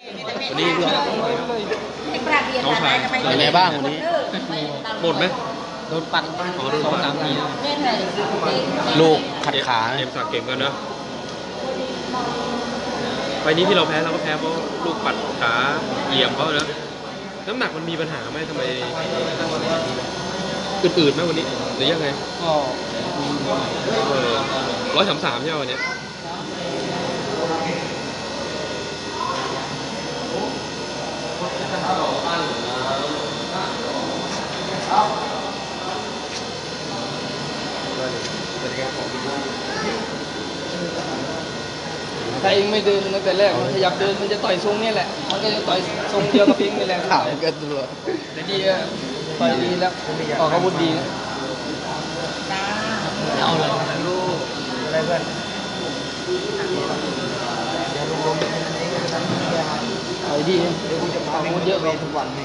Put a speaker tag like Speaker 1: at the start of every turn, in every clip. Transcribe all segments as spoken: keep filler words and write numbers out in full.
Speaker 1: วันนี้น้องชายเป็นไงบ้างวันนี้หมดไหมโดนปั่นขอโดนปั่นลูกขัดขาเกมสักเกมกันนะไฟนี้ที่เราแพ้เราก็แพ้เพราะลูกปัดขาเหลี่ยมเขาเนอะน้ำหนักมันมีปัญหาไหมทำไมอืดๆไหมวันนี้หรือยังไงร้อยสามสามใช่ไหมวันนี้
Speaker 2: ถ้าเองไม่เดินตั้งแต่แรกมันขยับเดินมันจะต่อยทรงนี่แหละมันก็จะต่อยทรงเดียวกับเองนี่แหละข่าวกันตัวแต่ดีอะต่อยดีแล้วออกอาวุธดีนะเอาเลยลูกอะไรเพื่อนต่อยดีเดี๋ยวกูจะพาอาวุธเยอะเลยทุกวันนี่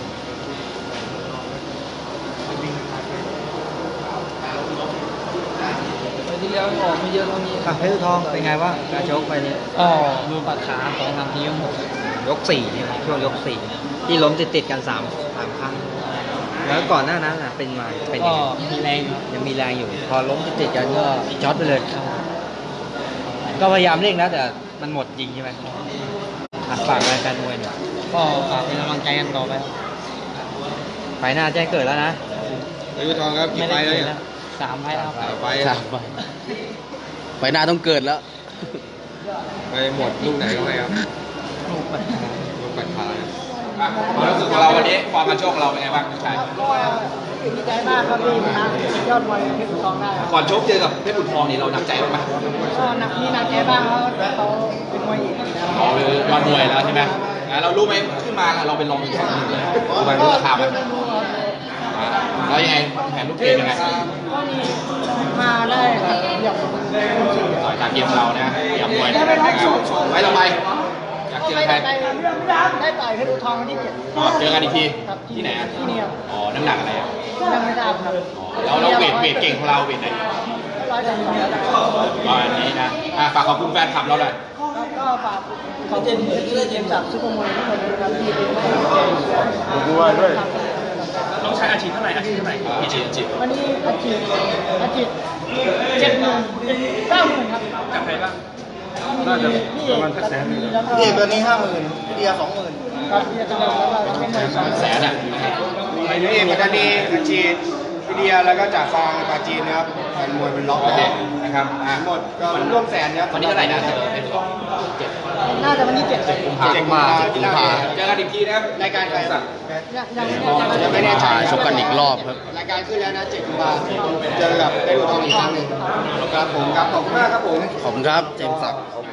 Speaker 2: ที่แล้วออกไม่เยอะเท่านี้เพชรทองเป็นไงบ้างการชกไปนี้อ๋อดูปัดขาสองสามทียกหกยกสี่เนี่ยช่วงยกสี่ที่ล้มติดติดกันสามสามครั้งแล้วก่อนหน้านั้นอ่ะเป็นมาเป็นยังไงมีแรงยังมีแรงอยู่พอล้มติดติดกันก็ช็อตไปเลยก็พยายามเร่งนะแต่มันหมดจริงใช่ไหมฝากรายการมวยเนี่ยก็ฝากเป็นกำลังใจกันต่อไปไฟหน้าแจ้งเกิดแล้วนะเพชรทองครับกี่ไฟแล้วสามไฟครับสามไฟสามไฟไฟหน้าต้องเกิดแล้วไปหมดลูกไหนก็ไปครับลูกปัดขาลูกปัดขาความรู้สึกของเราวันนี้ความการโชคของเราเป็นไงบ้างพี่ชายก็ดีใจมากครับพี่นะยอดมวยเพชรบุญทองได้ก่อนชกเจอกับเพชรบุญทองนี่เราหนักใจบ้างไหมก็หนักนี่หนักใจบ้างเขาเขาเป็นมวยอีกอ๋อเป็นยอดมวยแล้วใช่ไหมเรารู้ไหมขึ้นมาเราเป็นรองอีกแค่นี้เลยดูไปรู้ราคาไหมแล้วยังไงแผนลูกเกมยังไงมาได้ครับอยากต่อยตามเกมเรานะอยากมวยไว้เราไปอยากเจอใครได้ต่อยเพชรบุญทองที่เจ็ดเจอกันอีกทีที่ไหนที่นี่อ๋อน้ำหนักอะไรอ่ะยังไม่ทราบครับแล้วเราเวทเวทเก่งของเราเวทไหนร้อยสามสิบประมาณนี้นะฝากขอบคุณแฟนคลับเราหน่อยก็ฝากขอบคุณเจมส์จากซุปเปอร์มวยทุกคนนะครับที่เป็นกำลังใจขอบคุณด้วยน้องชายอาชีพเท่าไหร่อาชีพเท่าไหร่อาชีพอาชีพวันนี้อาชีพอาชีพเจ็ดหมื่นเก้าหมื่นครับจากใครบ้างน่าจะประมาณแสนพี่ตัวนี้ห้าหมื่นพี่เดียสองหมื่นครับพี่เดียจะได้แล้วก็แสนอ่ะไอ้นี่มันจะมีอาชีพพี่เดียแล้วก็จากฟางปาจีนนะครับแฟนมวยเป็นล็อกนะครับทั้งหมดก็ร่วมแสนครับวันนี้เท่าไหร่นะเจอเป็นล็อกเจ็ดน่าจะวันที่เจ็ดกุมภาพันธ์มาเจ็ดกุมภาพันธ์เจอกันอีกทีนะครับรายการใครสั่งยังไม่แน่ใจชกกันอีกรอบครับรายการขึ้นแล้วนะเจ็ดกุมภาพันธ์เจอกับได้ดูทองอีกครั้งหนึ่งครับผมครับขอบคุณมากครับผมขอบคุณครับเจมส์ศักดิ์